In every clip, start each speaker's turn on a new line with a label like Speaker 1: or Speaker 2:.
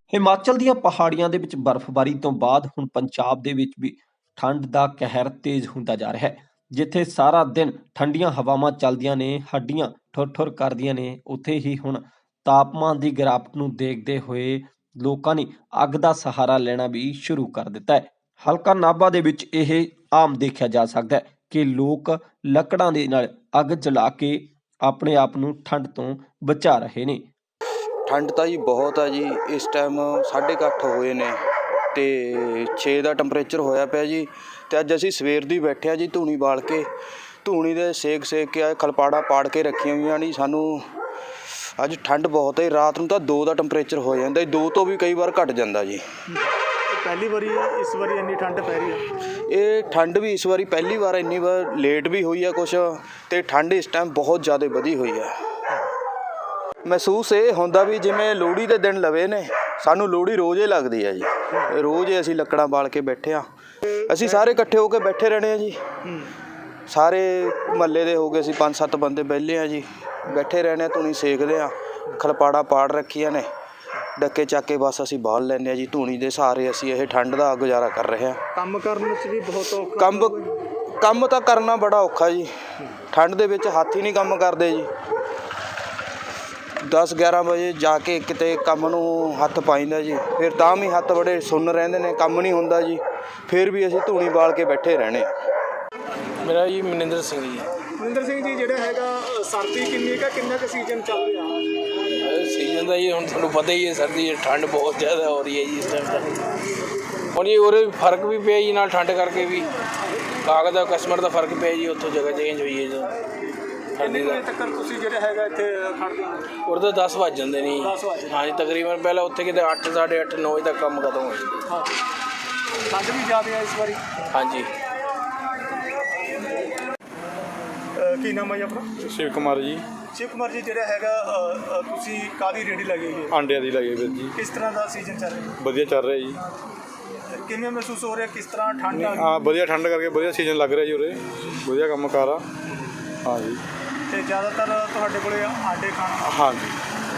Speaker 1: ਹਿਮਾਚਲ ਦੀਆਂ ਪਹਾੜੀਆਂ ਦੇ ਵਿੱਚ ਬਰਫ਼ਬਾਰੀ ਤੋਂ ਬਾਅਦ ਹੁਣ ਪੰਜਾਬ ਦੇ ਵਿੱਚ ਵੀ ਠੰਡ ਦਾ ਕਹਿਰ ਤੇਜ਼ ਹੁੰਦਾ ਜਾ ਰਿਹਾ ਹੈ। ਜਿੱਥੇ ਸਾਰਾ ਦਿਨ ਠੰਡੀਆਂ ਹਵਾਵਾਂ ਚੱਲਦੀਆਂ ਨੇ, ਹੱਡੀਆਂ ਠੁਰ-ਠੁਰ ਕਰਦੀਆਂ ਨੇ, ਉੱਥੇ ਹੀ ਹੁਣ ਤਾਪਮਾਨ ਦੀ ਗਿਰਾਵਟ ਨੂੰ ਦੇਖਦੇ ਹੋਏ ਲੋਕਾਂ ਨੇ ਅੱਗ ਦਾ ਸਹਾਰਾ ਲੈਣਾ ਵੀ ਸ਼ੁਰੂ ਕਰ ਦਿੱਤਾ ਹੈ। ਹਲਕਾ ਨਾਭਾ ਦੇ ਵਿੱਚ ਇਹ ਆਮ ਦੇਖਿਆ ਜਾ ਸਕਦਾ ਹੈ ਕਿ ਲੋਕ ਲੱਕੜਾਂ ਦੇ ਨਾਲ ਅੱਗ ਜਲਾ ਕੇ ਆਪਣੇ ਆਪ ਨੂੰ ਠੰਡ ਤੋਂ ਬਚਾ ਰਹੇ ਨੇ।
Speaker 2: ਠੰਡ ਤਾਂ ਜੀ ਬਹੁਤ ਆ ਜੀ। ਇਸ ਟਾਈਮ 8:30 ਹੋਏ ਨੇ ਤੇ 6 ਦਾ ਟੈਂਪਰੇਚਰ ਹੋਇਆ ਪਿਆ ਜੀ। ਤੇ ਅੱਜ ਅਸੀਂ ਸਵੇਰ ਦੀ ਬੈਠੇ ਆ ਜੀ ਧੂਣੀ ਬਾਲ ਕੇ, ਧੂਣੀ ਦੇ ਸੇਕ ਕੇ ਆਏ, ਖਲਪਾੜਾ ਪਾੜ ਕੇ ਰੱਖੀਆਂ ਹੋਈਆਂ ਨਹੀਂ। ਸਾਨੂੰ ਅੱਜ ਠੰਡ ਬਹੁਤ ਹੈ। ਰਾਤ ਨੂੰ ਤਾਂ 2 ਦਾ ਟੈਂਪਰੇਚਰ ਹੋ ਜਾਂਦਾ, 2 ਤੋਂ ਵੀ ਕਈ ਵਾਰ ਘਟ ਜਾਂਦਾ ਜੀ।
Speaker 3: ਪਹਿਲੀ ਵਾਰੀ ਇਸ ਵਾਰੀ ਇੰਨੀ ਠੰਡ ਪੈ ਰਹੀ ਹੈ।
Speaker 2: ਇਹ ਠੰਡ ਵੀ ਇਸ ਵਾਰੀ ਪਹਿਲੀ ਵਾਰ ਇੰਨੀ ਵਾਰ ਲੇਟ ਵੀ ਹੋਈ ਆ ਕੁਛ, ਤੇ ਠੰਡ ਇਸ ਟਾਈਮ ਬਹੁਤ ਜ਼ਿਆਦਾ ਵਧੀ ਹੋਈ ਆ। ਮਹਿਸੂਸ ਇਹ ਹੁੰਦਾ ਵੀ ਜਿਵੇਂ ਲੋਹੜੀ ਦੇ ਦਿਨ ਲਵੇ ਨੇ। ਸਾਨੂੰ ਲੋਹੜੀ ਰੋਜ਼ ਹੀ ਲੱਗਦੀ ਆ ਜੀ। ਰੋਜ਼ ਹੀ ਅਸੀਂ ਲੱਕੜਾਂ ਬਾਲ ਕੇ ਬੈਠੇ ਆ। ਅਸੀਂ ਸਾਰੇ ਇਕੱਠੇ ਹੋ ਕੇ ਬੈਠੇ ਰਹਿਣੇ ਆ ਜੀ। ਸਾਰੇ ਮਹੱਲੇ ਦੇ ਹੋ ਗਏ, ਅਸੀਂ 5-7 ਬੰਦੇ ਵਿਹਲੇ ਆ ਜੀ, ਬੈਠੇ ਰਹਿਣੇ ਆ, ਧੂਣੀ ਸੇਕਦੇ ਆ, ਖਲਪਾੜਾ ਪਾੜ ਰੱਖੀਆਂ ਨੇ, ਡੱਕੇ ਚੱਕ ਕੇ ਬਸ ਅਸੀਂ ਬਾਲ ਲੈਂਦੇ ਆ ਜੀ। ਧੂਣੀ ਦੇ ਸਹਾਰੇ ਅਸੀਂ ਇਹ ਠੰਡ ਦਾ ਗੁਜ਼ਾਰਾ ਕਰ ਰਹੇ ਆ।
Speaker 3: ਕੰਮ ਕਰਨ ਵਿੱਚ ਵੀ ਬਹੁਤ ਔਖਾ।
Speaker 2: ਕੰਮ ਤਾਂ ਕਰਨਾ ਬੜਾ ਔਖਾ ਜੀ। ਠੰਡ ਦੇ ਵਿੱਚ ਹੱਥ ਹੀ ਨਹੀਂ ਕੰਮ ਕਰਦੇ ਜੀ। 10-11 ਵਜੇ ਜਾ ਕੇ ਕਿਤੇ ਕੰਮ ਨੂੰ ਹੱਥ ਪਾਈਂਦਾ ਜੀ, ਫਿਰ ਤਾਂ ਵੀ ਹੱਥ ਬੜੇ ਸੁੰਨ ਰਹਿੰਦੇ ਨੇ, ਕੰਮ ਨਹੀਂ ਹੁੰਦਾ ਜੀ। ਫਿਰ ਵੀ ਅਸੀਂ ਧੂਣੀ ਬਾਲ ਕੇ ਬੈਠੇ ਰਹਿਣੇ ਆ।
Speaker 4: ਮੇਰਾ ਜੀ ਮਨਿੰਦਰ ਸਿੰਘ ਜੀ।
Speaker 3: ਮਨਿੰਦਰ ਸਿੰਘ ਜੀ, ਜਿਹੜਾ ਹੈਗਾ ਸਰਦੀ ਕਿੰਨੀ ਕੁ ਕਿੰਨਾ ਕੁ ਸੀਜ਼ਨ ਚੱਲ ਰਿਹਾ?
Speaker 4: ਸੀਜ਼ਨ ਦਾ ਜੀ ਹੁਣ ਤੁਹਾਨੂੰ ਪਤਾ ਹੀ ਹੈ, ਸਰਦੀ ਠੰਡ ਬਹੁਤ ਜ਼ਿਆਦਾ ਹੋ ਰਹੀ ਹੈ ਜੀ ਇਸ ਟਾਈਮ ਤਾਂ। ਹੁਣ ਜੀ ਉਹਦੇ ਫਰਕ ਵੀ ਪਿਆ ਜੀ, ਨਾਲ ਠੰਡ ਕਰਕੇ ਵੀ ਕਾਗਜ਼ ਦਾ ਕਸਟਮਰ ਦਾ ਫਰਕ ਪਿਆ ਜੀ। ਉੱਥੋਂ ਜਗ੍ਹਾ ਚੇਂਜ ਹੋਈ ਹੈ ਜੀ।
Speaker 3: ਕਿੰਨੇ ਵਜੇ ਤੱਕ ਤੁਸੀਂ ਜਿਹੜਾ ਹੈਗਾ ਇੱਥੇ ਖੜ੍ਹਦੇ ਹੋ?
Speaker 4: ਉਰੇ ਤਾਂ 10 ਵੱਜ ਜਾਂਦੇ ਨੇ ਜੀ।
Speaker 3: 10 ਵਜੇ?
Speaker 4: ਹਾਂਜੀ, ਤਕਰੀਬਨ ਪਹਿਲਾਂ ਉੱਥੇ ਕਿਤੇ 8, 8:30, 9 ਵਜੇ ਤੱਕ ਕੰਮ ਖਤਮ ਹੋ ਜਾਂਦਾ।
Speaker 3: ਹਾਂ, ਠੰਡ ਵੀ ਜ਼ਿਆਦਾ ਹੈ ਇਸ ਵਾਰੀ।
Speaker 4: ਹਾਂਜੀ।
Speaker 3: ਕੀ ਨਾਮ ਹੈ ਜੀ ਆਪਣਾ?
Speaker 5: ਸ਼ਿਵ ਕੁਮਾਰ ਜੀ।
Speaker 3: ਸ਼ਿਵ ਕੁਮਾਰ ਜੀ, ਜਿਹੜਾ ਹੈਗਾ ਤੁਸੀਂ ਕਾਹਦੀ ਰੇਹੜੀ ਲੱਗੀ ਹੈ?
Speaker 5: ਆਂਡਿਆਂ ਦੀ ਲੱਗੀ ਵੀਰ ਜੀ।
Speaker 3: ਕਿਸ ਤਰ੍ਹਾਂ ਦਾ ਸੀਜ਼ਨ ਚੱਲ ਰਿਹਾ?
Speaker 5: ਵਧੀਆ ਚੱਲ ਰਿਹਾ ਜੀ।
Speaker 3: ਕਿਵੇਂ ਮਹਿਸੂਸ ਹੋ ਰਿਹਾ? ਕਿਸ ਤਰ੍ਹਾਂ ਠੰਡ ਆ ਗਈ?
Speaker 5: ਹਾਂ, ਵਧੀਆ ਠੰਡ ਕਰਕੇ ਵਧੀਆ ਸੀਜ਼ਨ ਲੱਗ ਰਿਹਾ ਜੀ ਉਰੇ। ਵਧੀਆ ਕੰਮ ਕਾਰ ਆ। ਹਾਂ ਜੀ।
Speaker 3: ਤੇ ਜ਼ਿਆਦਾਤਰ ਤੁਹਾਡੇ ਕੋਲੇ ਆਂਡੇ ਖਾਣ?
Speaker 5: ਹਾਂ ਜੀ।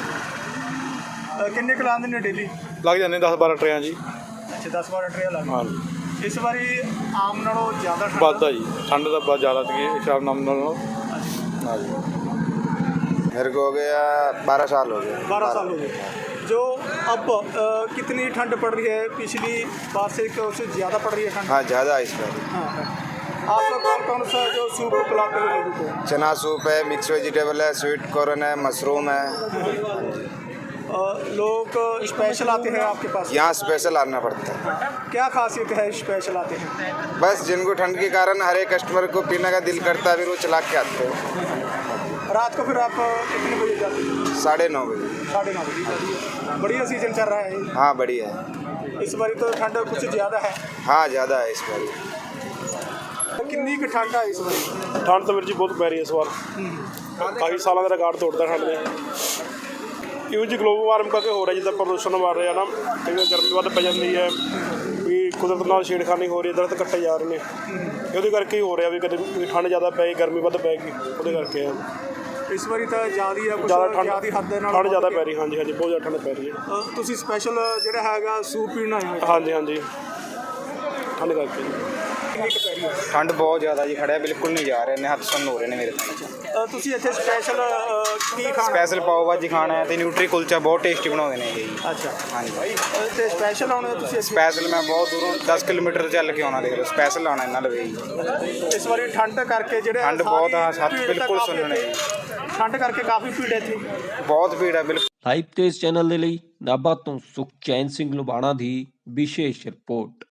Speaker 3: ਕਿੰਨੇ ਕੁ ਲਾਉਂਦੇ ਨੇ ਡੇਲੀ?
Speaker 5: ਲੱਗ ਜਾਂਦੇ 10-12 ਟਰੇਆਂ ਜੀ।
Speaker 3: ਅੱਛਾ, 10-12 ਟਰੇ ਲੱਗ।
Speaker 5: ਹਾਂ ਜੀ।
Speaker 3: ਇਸ ਵਾਰੀ ਆਮ ਨਾਲੋਂ ਜ਼ਿਆਦਾ ਠੰਡ
Speaker 5: ਵੱਧਦਾ ਜੀ। ਠੰਡ ਦਾ ਬਹੁਤ ਜ਼ਿਆਦਾ ਸੀ ਹਿਸਾਬ ਨਾਲੋਂ। हाँ जी।
Speaker 2: मेरे को हो गया 12 साल हो गए।
Speaker 3: 12 साल हो गए। जो अब कितनी ठंड पड़ रही है? पिछली बार से उससे ज़्यादा पड़ रही है ठंड?
Speaker 2: हाँ, ज़्यादा इस बार।
Speaker 3: हाँ। आप कौन कौन सा जो सूप पिलाते हो लोगों को?
Speaker 2: चना सूप है, मिक्स वेजिटेबल है, स्वीट कॉर्न है, मशरूम है।
Speaker 3: लोग स्पेशल आते हैं आपके पास?
Speaker 2: यहाँ स्पेशल आना पड़ता है।
Speaker 3: क्या खासियत है स्पेशल आते हैं?
Speaker 2: बस जिनको ठंड के कारण हर एक कस्टमर को पीने का दिल करता है, फिर वो चला के आते हैं।
Speaker 3: रात को फिर आप कितने बजे जाते हैं?
Speaker 2: 9:30 बजे।
Speaker 3: 9:30 बजे। बढ़िया सीजन चल रहा है।
Speaker 2: हाँ, बढ़िया है।
Speaker 3: इस बार तो ठंड कुछ ज़्यादा है।
Speaker 2: हाँ, ज़्यादा है इस बार।
Speaker 3: कितनी की ठंड है इस बार?
Speaker 5: ਠੰਡ ਤਾਂ ਵੀਰ ਜੀ ਬਹੁਤ ਪੈ ਰਹੀ ਹੈ ਇਸ ਵਾਰ। ਕਾਫੀ ਸਾਲਾਂ ਦਾ ਰਿਕਾਰਡ ਤੋੜਦਾ ਠੰਡ ਨੇ। ਇਹੋ ਜਿਹੀ ਗਲੋਬਲ ਵਾਰਮਿੰਗ ਕਰਕੇ ਹੋ ਰਿਹਾ, ਜਿੱਦਾਂ ਪ੍ਰਦੂਸ਼ਣ ਵੱਧ ਰਿਹਾ ਨਾ, ਕਈ ਵਾਰ ਗਰਮੀ ਵੱਧ ਪੈ ਜਾਂਦੀ ਹੈ, ਵੀ ਕੁਦਰਤ ਨਾਲ ਛੇੜਖਾਨੀ ਹੋ ਰਹੀ ਹੈ, ਦਰਖਤ ਕੱਟੇ ਜਾ ਰਹੇ ਨੇ। ਉਹਦੇ ਕਰਕੇ ਹੀ ਹੋ ਰਿਹਾ ਵੀ ਕਦੇ ਠੰਡ ਜ਼ਿਆਦਾ ਪੈ ਗਈ, ਗਰਮੀ ਵੱਧ ਪੈ ਗਈ, ਉਹਦੇ ਕਰਕੇ ਆ।
Speaker 3: ਇਸ ਵਾਰੀ ਤਾਂ ਜ਼ਿਆਦਾ ਹੀ ਆ,
Speaker 5: ਜ਼ਿਆਦਾ ਠੰਡ
Speaker 3: ਹੱਦ ਦੇ ਨਾਲ
Speaker 5: ਠੰਡ ਜ਼ਿਆਦਾ ਪੈ ਰਹੀ। ਹਾਂਜੀ ਹਾਂਜੀ, ਬਹੁਤ ਜ਼ਿਆਦਾ ਠੰਡ ਪੈ ਰਹੀ ਹੈ।
Speaker 3: ਤੁਸੀਂ ਸਪੈਸ਼ਲ ਜਿਹੜਾ ਹੈਗਾ ਸੂਪ ਪੀਣਾ ਹੈ?
Speaker 5: ਹਾਂਜੀ ਹਾਂਜੀ, ਠੰਡ ਕਰਕੇ।
Speaker 3: ਕਿੰਨੀ ਕੁ ਪੈ ਰਹੀ ਹੈ?
Speaker 2: ठंड बहुत ज़्यादा जी। खड़े बिल्कुल नहीं जा रहे ने, हथ सुन्न हो रहे ने मेरे।
Speaker 3: ਤੁਸੀਂ ਇੱਥੇ ਸਪੈਸ਼ਲ ਕੀ ਖਾਣਾ?
Speaker 2: स्पेशल पाव भाजी खाना है, तो न्यूट्री कुलचा बहुत टेस्टी बनाते हैं ये।
Speaker 3: ਅੱਛਾ।
Speaker 2: हाँ जी।
Speaker 3: ਤੇ ਸਪੈਸ਼ਲ ਆਉਣੇ ਤੁਸੀਂ ਇੱਥੇ?
Speaker 2: स्पेशल मैं बहुत दूरों 10 किलोमीटर चल के आना, देख लो स्पेशल आना इन्ना लवे।
Speaker 3: ਇਸ ਵਾਰੀ ਠੰਡ ਕਰਕੇ ਜਿਹੜੇ
Speaker 2: ठंड बहुत हाँ, हथ बिल्कुल सुनने।
Speaker 3: ਠੰਡ ਕਰਕੇ ਕਾਫੀ ਭੀੜ ਹੈ ਇੱਥੇ।
Speaker 2: बहुत भीड़ है बिल्कुल।
Speaker 1: ਲਾਈਵ ਤੇਜ਼ ਚੈਨਲ ਦੇ ਲਈ ਨਾਭਾ ਤੋਂ ਸੁਖਚੈਨ ਸਿੰਘ ਲੁਬਾਣਾ ਦੀ ਵਿਸ਼ੇਸ਼ ਰਿਪੋਰਟ।